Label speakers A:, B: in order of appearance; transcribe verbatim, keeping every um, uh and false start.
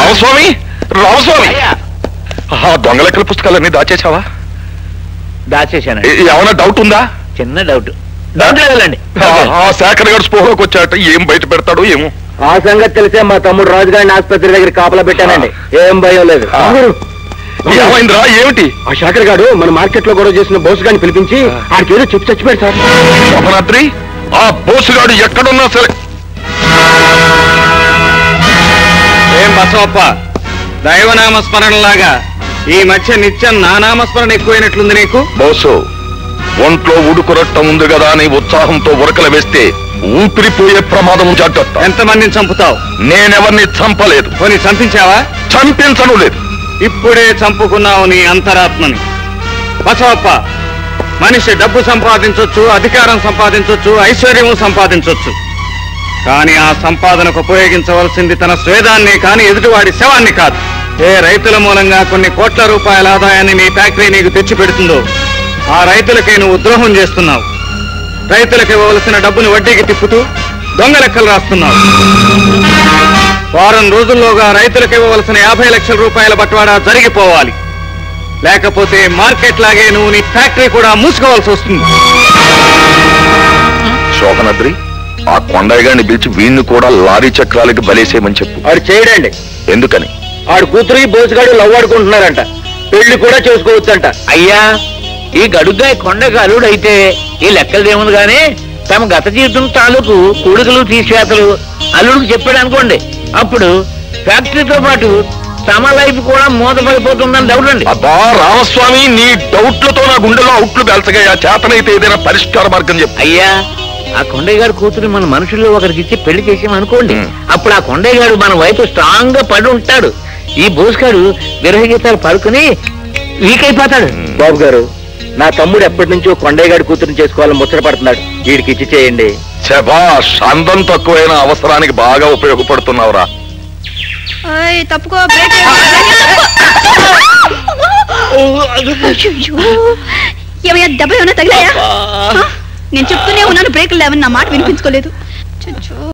A: రామస్వామి రామస్వామి ఆ దొంగ లెక్కల పుస్తకాలన్నీ దాచేసావా?
B: దాచేశానండి.
A: ఏమైనా డౌట్ ఉందా?
B: చిన్న డౌట్. డౌట్ లేదండి.
A: ఆ శేఖర్ గారు స్పోహలోకి వచ్చాట, ఏం బయట పెడతాడో ఏమో.
C: ఆ సంగతి తెలిసే మా తమ్ముడు రాజుగారిని ఆసుపత్రి దగ్గర కాపలా పెట్టానండి. ఏం భయం లేదు.
A: ఏమైందిరా? ఏమిటి?
C: ఆ శేఖర్ గారు మన మార్కెట్ లో గొడవ చేసిన బోసు గారిని పిలిపించి ఆడికి ఏదో చెప్పి చచ్చిపోయాడు సార్.
A: శోభనాద్రి, ఆ బోసుగాడు ఎక్కడున్నా సరే.
D: ఏం బసవప్ప, దైవనామ స్మరణలాగా ఈ మధ్య నిత్యం నా నామస్మరణ ఎక్కువైనట్లుంది నీకు?
A: బోసు, ఒంట్లో ఉడుకురట్టం ఉంది కదా అని ఉత్సాహంతో ఉరకలు వేస్తే ఊపిరిపోయే ప్రమాదం జాగ్రత్త.
D: ఎంతమందిని చంపుతావు?
A: నేనెవరిని చంపలేదు.
D: కొని చంపించావా?
A: చంపించను లేదు.
D: ఇప్పుడే చంపుకున్నావు నీ అంతరాత్మని. బసవప్ప, మనిషి డబ్బు సంపాదించొచ్చు, అధికారం సంపాదించొచ్చు, ఐశ్వర్యము సంపాదించొచ్చు. కానీ ఆ సంపాదనకు ఉపయోగించవలసింది తన స్వేదాన్ని కానీ ఎదుటివాడి శవాన్ని కాదు. ఏ రైతుల మూలంగా కొన్ని కోట్ల రూపాయల ఆదాయాన్ని నీ ఫ్యాక్టరీ నీకు తెచ్చి పెడుతుందో ఆ రైతులకే నువ్వు ద్రోహం చేస్తున్నావు. రైతులకు ఇవ్వవలసిన డబ్బును వడ్డీకి తిప్పుతూ దొంగ లెక్కలు రాస్తున్నావు. వారం రోజుల్లోగా రైతులకు ఇవ్వవలసిన యాభై లక్షల రూపాయల బట్వాడా జరిగిపోవాలి. లేకపోతే మార్కెట్ లాగే నువ్వు నీ ఫ్యాక్టరీ కూడా మూసుకోవాల్సి వస్తుంది.
A: శోభనాద్రి, ఆ కొండయ్య గారిని పిలిచి వీణ్ణి కూడా లారీ చక్రాలకి బలేసేయమని చెప్పు.
C: ఆడు చేయడండి.
A: ఎందుకని?
C: ఆడు కూతురు బోసుగాడు లవ్ ఆడుకుంటున్నారంట. పెళ్లి కూడా చేసుకోవచ్చంట.
B: అయ్యా, ఈ గడుగ్గా కొండకు అల్లుడైతే ఈ లెక్కలదేముంది గానీ తమ గత జీవితం తాలూకు కొడుకులు తీసివేతలు అల్లుడికి చెప్పాడు అనుకోండి, అప్పుడు ఫ్యాక్టరీతో పాటు తమ లైఫ్ కూడా మూతపడిపోతుందని డౌట్ అండి.
A: అబ్బా రామస్వామి, నీ డౌట్లతో నా గుండెలో అవుట్లు పెంచగా చేతనైతే ఏదైనా పరిష్కార మార్గం చెప్పు.
B: అయ్యా, ఆ కొండయ్య గారు కూతురు మన మనుషుల్లో ఒకరికి ఇచ్చి పెళ్లి చేసామనుకోండి, అప్పుడు ఆ కొండయ్య గారు మన వైపు స్ట్రాంగ్ గా పడి ఉంటాడు. ఈ బోసుగాడు విరహ గీతాలు పడుకుని వీక్ అయిపోతాడు.
C: బాబు గారు, నా తమ్ముడు ఎప్పటి నుంచో కొండయ్య గారి కూతురుని చేసుకోవాలని ముచ్చట పడుతున్నాడు. వీడికి ఇచ్చి చేయండి.
A: శభాష్, అందం తక్కువైన అవసరానికి బాగా ఉపయోగపడుతున్నావురా.
E: తప్పుకో. ఏమయ్యా, దెబ్బ ఏమైనా తగిలాయా? నేను చెప్తూనే ఉన్నాను బ్రేకులు లేవని నా మాట వినిపించుకోలేదు.